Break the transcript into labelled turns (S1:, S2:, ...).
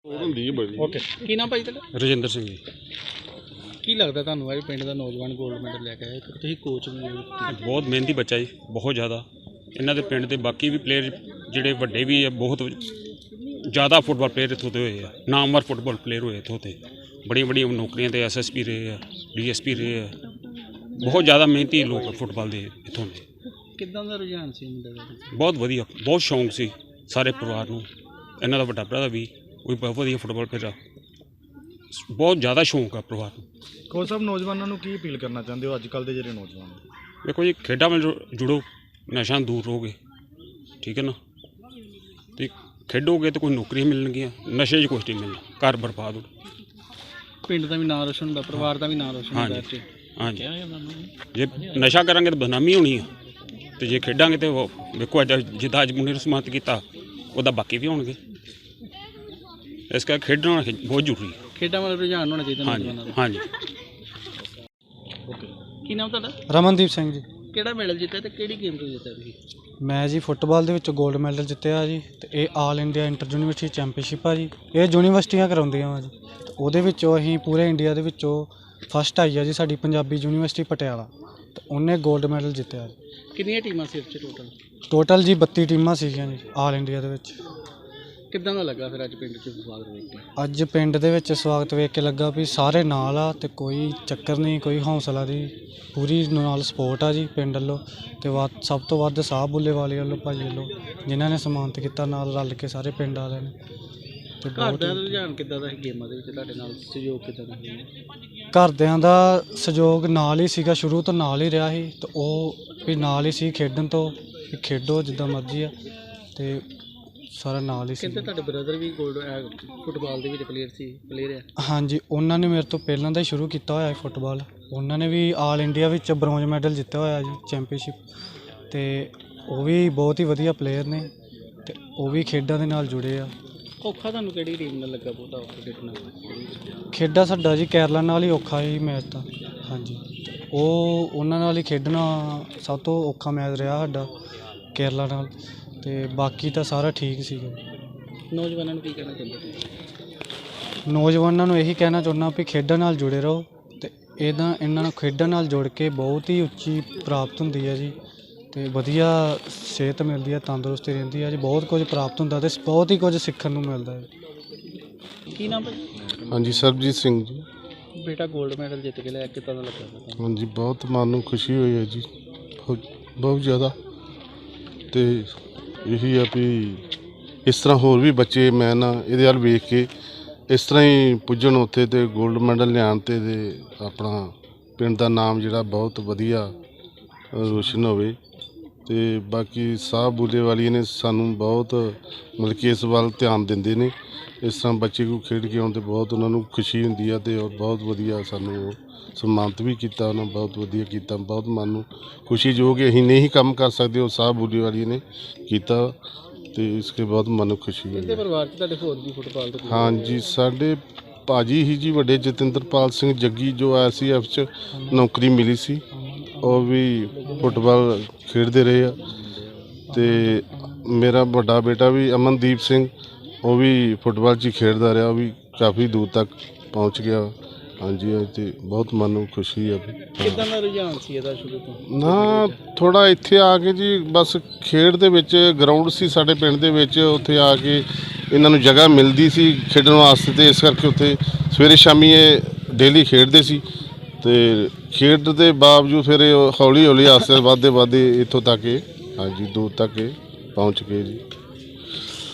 S1: Okay ਕੀ ਨਾਮ ਭਾਈ ਤੁਹਾਡਾ?
S2: ਰਜਿੰਦਰ ਸਿੰਘ ਜੀ।
S1: ਕੀ ਲੱਗਦਾ ਤੁਹਾਨੂੰ ਅੱਜ ਪਿੰਡ ਦਾ ਨੌਜਵਾਨ ਗੋਲਡ ਮੈਡਲ ਲੈ ਕੇ ਆਇਆ? ਤੁਸੀਂ ਕੋਚ ਵੀ ਹੋ।
S2: ਬਹੁਤ ਮਿਹਨਤੀ ਬੱਚਾ ਜੀ, ਬਹੁਤ ਜ਼ਿਆਦਾ। ਇਹਨਾਂ ਦੇ ਪਿੰਡ ਦੇ ਬਾਕੀ ਵੀ ਪਲੇਅਰ ਜਿਹੜੇ ਵੱਡੇ ਵੀ ਆ, ਬਹੁਤ ਜ਼ਿਆਦਾ ਫੁੱਟਬਾਲ ਪਲੇਅਰ ਇੱਥੋਂ ਦੇ ਹੋਏ ਆ, ਨਾਮਵਰ ਫੁੱਟਬਾਲ ਪਲੇਅਰ ਹੋਏ ਇੱਥੋਂ ਤੇ ਬੜੀਆਂ ਬੜੀਆਂ ਨੌਕਰੀਆਂ ਤੇ SSP ਰਹੇ ਆ, DSP ਰਹੇ ਆ। ਬਹੁਤ ਜ਼ਿਆਦਾ ਮਿਹਨਤੀ ਲੋਕ ਫੁੱਟਬਾਲ ਦੇ ਇੱਥੋਂ ਦੇ।
S1: ਕਿੱਦਾਂ ਦਾ ਰੁਝਾਨ ਸੀ ਮੁੰਡੇ ਦਾ?
S2: ਬਹੁਤ ਵਧੀਆ, ਬਹੁਤ ਸ਼ੌਂਕ ਸੀ ਸਾਰੇ ਪਰਿਵਾਰ ਨੂੰ। ਇਹਨਾਂ ਦਾ ਵੱਡਾ ਭਰਾ ਵੀ ਉਹ ਬਹੁਤ ਵਧੀਆ ਫੁੱਟਬਾਲ ਪਲੇਅਰ ਆ। ਬਹੁਤ ਜ਼ਿਆਦਾ ਸ਼ੌਂਕ ਆ ਪਰਿਵਾਰ ਨੂੰ।
S3: ਕੋਚ ਸਾਹਿਬ, ਨੌਜਵਾਨਾਂ ਨੂੰ ਕੀ ਅਪੀਲ ਕਰਨਾ ਚਾਹੁੰਦੇ ਹੋ ਅੱਜ ਕੱਲ੍ਹ ਦੇ ਜਿਹੜੇ ਨੌਜਵਾਨ?
S2: ਦੇਖੋ ਜੀ, ਖੇਡਾਂ ਨਾਲ ਜੁੜੋ, ਨਸ਼ਾ ਦੂਰ ਰਹੋਗੇ, ਠੀਕ ਹੈ ਨਾ। ਅਤੇ ਖੇਡੋਗੇ ਤਾਂ ਕੋਈ ਨੌਕਰੀਆਂ ਮਿਲਣਗੀਆਂ, ਨਸ਼ੇ 'ਚ ਕੁਛ ਨਹੀਂ ਮਿਲਣਾ, ਘਰ ਬਰਬਾਦ ਹੋ।
S1: ਪਿੰਡ ਦਾ ਵੀ ਨਾਂ ਰੋਸ਼ਨ ਹੁੰਦਾ, ਪਰਿਵਾਰ ਦਾ ਵੀ ਨਾਂ ਰੋਸ਼ਨ ਹੁੰਦਾ।
S2: ਹਾਂਜੀ, ਜੇ ਨਸ਼ਾ ਕਰਾਂਗੇ ਤਾਂ ਬਦਨਾਮੀ ਹੋਣੀ ਆ, ਅਤੇ ਜੇ ਖੇਡਾਂਗੇ ਤਾਂ ਵੇਖੋ ਅੱਜ ਜਿੱਦਾਂ ਅੱਜ ਮੁੰਡੇ ਨੂੰ ਸਨਮਾਨਿਤ ਕੀਤਾ, ਉਹਦਾ ਬਾਕੀ ਵੀ ਹੋਣਗੇ। ਇਸ ਕਰਕੇ ਖੇਡਣਾ ਬਹੁਤ ਜ਼ਰੂਰੀ ਹੈ।
S1: ਖੇਡਾਂ ਵੱਲ ਰੁਝਾਨ ਹੋਣਾ ਚਾਹੀਦਾ ਨੌਜਵਾਨਾਂ ਦਾ।
S2: ਹਾਂਜੀ।
S1: ਕੀ ਨਾਮ ਤੁਹਾਡਾ?
S4: ਰਮਨਦੀਪ ਸਿੰਘ ਜੀ।
S1: ਕਿਹੜਾ ਮੈਡਲ ਜਿੱਤਿਆ ਤੇ ਕਿਹੜੀ ਗੇਮ ਤੋਂ ਜਿੱਤਿਆ ਤੁਸੀਂ?
S4: ਮੈਂ ਜੀ ਫੁੱਟਬਾਲ ਦੇ ਵਿੱਚ 골ਡ ਮੈਡਲ ਜਿੱਤਿਆ ਜੀ, ਅਤੇ ਇਹ all India inter university championship ਆ ਜੀ। ਇਹ ਯੂਨੀਵਰਸਿਟੀਆਂ ਕਰਾਉਂਦੀਆਂ ਵਾ ਜੀ, ਉਹਦੇ ਵਿੱਚੋਂ ਅਸੀਂ ਪੂਰੇ ਇੰਡੀਆ ਦੇ ਵਿੱਚੋਂ ਫਸਟ ਆਈ ਆ ਜੀ ਸਾਡੀ ਪੰਜਾਬੀ ਯੂਨੀਵਰਸਿਟੀ ਪਟਿਆਲਾ, ਅਤੇ ਉਹਨੇ 골ਡ ਮੈਡਲ ਜਿੱਤਿਆ ਜੀ।
S1: ਕਿੰਨੀਆਂ ਟੀਮਾਂ ਸੀ ਇਸ 'ਚ
S4: ਟੋਟਲ ਜੀ 32 ਟੀਮਾਂ ਸੀਗੀਆਂ ਜੀ ਆਲ ਇੰਡੀਆ ਦੇ ਵਿੱਚ।
S1: ਕਿੱਦਾਂ ਦਾ ਲੱਗਾ ਫਿਰ ਅੱਜ ਪਿੰਡ 'ਚ ਸਵਾਗਤ ਵੇਖ ਕੇ?
S4: ਅੱਜ ਪਿੰਡ ਦੇ ਵਿੱਚ ਸਵਾਗਤ ਵੇਖ ਕੇ ਲੱਗਾ ਵੀ ਸਾਰੇ ਨਾਲ ਆ, ਅਤੇ ਕੋਈ ਚੱਕਰ ਨਹੀਂ, ਕੋਈ ਹੌਸਲਾ ਦੀ ਪੂਰੀ ਨਾਲ ਸਪੋਰਟ ਆ ਜੀ ਪਿੰਡ ਵੱਲੋਂ। ਅਤੇ ਸਭ ਤੋਂ ਵੱਧ ਸਾਹ ਬੁੱਲੇਵਾਲੇ ਵੱਲੋਂ, ਭਾਜੀ ਵੱਲੋਂ, ਜਿਨ੍ਹਾਂ ਨੇ ਸਨਮਾਨਿਤ ਕੀਤਾ ਨਾਲ ਰਲ ਕੇ ਸਾਰੇ ਪਿੰਡ ਵਾਲਿਆਂ ਨੇ। ਅਤੇ
S1: ਘਰ ਦਾ ਰੁਝਾਨ ਕਿੱਦਾਂ ਦਾ ਸੀ ਗੇਮਾਂ ਦੇ ਵਿੱਚ? ਤੁਹਾਡੇ ਨਾਲ ਸਹਿਯੋਗ ਕਿੱਦਾਂ ਦਾ ਸੀ?
S4: ਘਰਦਿਆਂ ਦਾ ਸਹਿਯੋਗ ਨਾਲ ਹੀ ਸੀਗਾ, ਸ਼ੁਰੂ ਤੋਂ ਨਾਲ ਹੀ ਰਿਹਾ ਸੀ, ਅਤੇ ਉਹ ਵੀ ਨਾਲ ਹੀ ਸੀ ਖੇਡਣ ਤੋਂ, ਵੀ ਖੇਡੋ ਜਿੱਦਾਂ ਮਰਜ਼ੀ ਆ, ਅਤੇ ਸਾਰਾ ਨਾਲ ਹੀ ਸੀ।
S1: ਕਹਿੰਦੇ ਤੁਹਾਡੇ ਬ੍ਰਦਰ ਵੀ ਫੁੱਟਬਾਲ ਦੇ ਵਿੱਚ ਪਲੇਅਰ ਆ?
S4: ਹਾਂਜੀ, ਉਹਨਾਂ ਨੇ ਮੇਰੇ ਤੋਂ ਪਹਿਲਾਂ ਦਾ ਹੀ ਸ਼ੁਰੂ ਕੀਤਾ ਹੋਇਆ ਫੁੱਟਬਾਲ। ਉਹਨਾਂ ਨੇ ਵੀ ਆਲ ਇੰਡੀਆ ਵਿੱਚ ਬ੍ਰੌਂਜ ਮੈਡਲ ਜਿੱਤਿਆ ਹੋਇਆ ਜੀ ਚੈਂਪੀਅਨਸ਼ਿਪ, ਅਤੇ ਉਹ ਵੀ ਬਹੁਤ ਹੀ ਵਧੀਆ ਪਲੇਅਰ ਨੇ, ਅਤੇ ਉਹ ਵੀ ਖੇਡਾਂ ਦੇ ਨਾਲ ਜੁੜੇ ਆ।
S1: ਔਖਾ ਤੁਹਾਨੂੰ ਕਿਹੜੀ ਟੀਮ ਨਾਲ ਲੱਗਾ ਬਹੁਤਾ ਔਖਾ ਖੇਡਣਾ?
S4: ਖੇਡਾਂ ਸਾਡਾ ਜੀ ਕੇਰਲਾ ਨਾਲ ਹੀ ਔਖਾ ਹੀ ਮੈਚ ਤਾਂ। ਹਾਂਜੀ, ਉਹਨਾਂ ਨਾਲ ਹੀ ਖੇਡਣਾ ਸਭ ਤੋਂ ਔਖਾ ਮੈਚ ਰਿਹਾ ਸਾਡਾ ਕੇਰਲਾ ਨਾਲ, ਅਤੇ ਬਾਕੀ ਤਾਂ ਸਾਰਾ ਠੀਕ ਸੀਗਾ।
S1: ਨੌਜਵਾਨਾਂ ਨੂੰ ਕੀ ਕਹਿਣਾ ਚਾਹੁੰਦੇ?
S4: ਨੌਜਵਾਨਾਂ ਨੂੰ ਇਹੀ ਕਹਿਣਾ ਚਾਹੁੰਦਾ ਵੀ ਖੇਡਾਂ ਨਾਲ ਜੁੜੇ ਰਹੋ, ਅਤੇ ਇਹਨਾਂ ਨੂੰ ਖੇਡਾਂ ਨਾਲ ਜੁੜ ਕੇ ਬਹੁਤ ਹੀ ਉੱਚੀ ਪ੍ਰਾਪਤ ਹੁੰਦੀ ਹੈ ਜੀ, ਅਤੇ ਵਧੀਆ ਸਿਹਤ ਮਿਲਦੀ ਹੈ, ਤੰਦਰੁਸਤੀ ਰਹਿੰਦੀ ਹੈ ਜੀ, ਬਹੁਤ ਕੁਝ ਪ੍ਰਾਪਤ ਹੁੰਦਾ ਅਤੇ ਬਹੁਤ ਹੀ ਕੁਝ ਸਿੱਖਣ ਨੂੰ ਮਿਲਦਾ ਹੈ।
S1: ਕੀ ਨਾਮ ਭਾਈ?
S5: ਹਾਂਜੀ, ਸਰਬਜੀਤ ਸਿੰਘ ਜੀ।
S1: ਬੇਟਾ 골ਡ ਮੈਡਲ ਜਿੱਤ ਕੇ ਲਿਆ, ਕਿੱਦਾਂ ਦਾ ਲੱਗਾ?
S5: ਹਾਂਜੀ, ਬਹੁਤ ਮਨ ਨੂੰ ਖੁਸ਼ੀ ਹੋਈ ਹੈ ਜੀ, ਬਹੁਤ ਜ਼ਿਆਦਾ। ਅਤੇ ਇਹੀ ਆ ਵੀ ਇਸ ਤਰ੍ਹਾਂ ਹੋਰ ਵੀ ਬੱਚੇ ਮੈਂ ਨਾ ਇਹਦੇ ਵੱਲ ਵੇਖ ਕੇ ਇਸ ਤਰ੍ਹਾਂ ਹੀ ਪੁੱਜਣ ਉੱਥੇ, ਅਤੇ 골ਡ ਮੈਡਲ ਲਿਆਉਣ, ਅਤੇ ਆਪਣਾ ਪਿੰਡ ਦਾ ਨਾਮ ਜਿਹੜਾ ਬਹੁਤ ਵਧੀਆ ਰੋਸ਼ਨ ਹੋਵੇ। ਅਤੇ ਬਾਕੀ ਸਾਹ ਬੁੱਲੇਵਾਲੀ ਨੇ ਸਾਨੂੰ ਬਹੁਤ ਮਤਲਬ ਕਿ ਇਸ ਵੱਲ ਧਿਆਨ ਦਿੰਦੇ ਨੇ। ਇਸ ਤਰ੍ਹਾਂ ਬੱਚੇ ਕੋਲ ਖੇਡ ਕੇ ਆਉਣ 'ਤੇ ਬਹੁਤ ਉਹਨਾਂ ਨੂੰ ਖੁਸ਼ੀ ਹੁੰਦੀ ਆ, ਅਤੇ ਬਹੁਤ ਵਧੀਆ ਸਾਨੂੰ ਉਹ ਸਨਮਾਨਿਤ ਵੀ ਕੀਤਾ, ਉਹਨਾਂ ਬਹੁਤ ਵਧੀਆ ਕੀਤਾ। ਬਹੁਤ ਮਨ ਨੂੰ ਖੁਸ਼ੀ ਜੋ ਕਿ ਅਸੀਂ ਨਹੀਂ ਕੰਮ ਕਰ ਸਕਦੇ, ਉਹ ਸਾਹ ਬੁੱਲੇਵਾਲੀ ਨੇ ਕੀਤਾ, ਅਤੇ ਇਸ ਕੇ ਬਹੁਤ ਮਨ ਨੂੰ ਖੁਸ਼ੀ ਹੋਈ।
S1: ਇਹਦੇ ਪਰਿਵਾਰ 'ਚ ਤੁਹਾਡੇ ਹੋਰ ਵੀ ਫੁੱਟਬਾਲ ਦੇ?
S5: ਹਾਂਜੀ, ਸਾਡੇ ਭਾਜੀ ਹੀ ਜੀ ਵੱਡੇ ਜਤਿੰਦਰਪਾਲ ਸਿੰਘ ਜੱਗੀ, ਜੋ ICF 'ਚ ਨੌਕਰੀ ਮਿਲੀ ਸੀ, ਉਹ ਵੀ ਫੁੱਟਬਾਲ ਖੇਡਦੇ ਰਹੇ ਆ। ਅਤੇ ਮੇਰਾ ਵੱਡਾ ਬੇਟਾ ਵੀ ਅਮਨਦੀਪ ਸਿੰਘ, ਉਹ ਵੀ ਫੁੱਟਬਾਲ 'ਚ ਹੀ ਖੇਡਦਾ ਰਿਹਾ, ਉਹ ਵੀ ਕਾਫੀ ਦੂਰ ਤੱਕ ਪਹੁੰਚ ਗਿਆ। ਹਾਂਜੀ, ਅਤੇ ਬਹੁਤ ਮਨ ਨੂੰ ਖੁਸ਼ੀ ਆ।
S1: ਕਿੱਦਾਂ ਦਾ ਰੁਝਾਨ ਸੀ ਇਹਦਾ ਸ਼ੁਰੂ ਤੋਂ?
S5: ਨਾ ਥੋੜ੍ਹਾ ਇੱਥੇ ਆ ਕੇ ਜੀ, ਬਸ ਖੇਡ ਦੇ ਵਿੱਚ ਗਰਾਊਂਡ ਸੀ ਸਾਡੇ ਪਿੰਡ ਦੇ ਵਿੱਚ, ਉੱਥੇ ਆ ਕੇ ਇਹਨਾਂ ਨੂੰ ਜਗ੍ਹਾ ਮਿਲਦੀ ਸੀ ਖੇਡਣ ਵਾਸਤੇ, ਅਤੇ ਇਸ ਕਰਕੇ ਉੱਥੇ ਸਵੇਰੇ ਸ਼ਾਮੀ ਇਹ ਡੇਲੀ ਖੇਡਦੇ ਸੀ। ਅਤੇ ਖੇਡ ਦੇ ਬਾਵਜੂਦ ਫਿਰ ਇਹ ਹੌਲੀ ਹੌਲੀ ਆਸਤੇ ਵੱਧਦੇ ਇੱਥੋਂ ਤੱਕ, ਹਾਂਜੀ ਦੂਰ ਤੱਕ ਪਹੁੰਚ ਗਏ ਜੀ।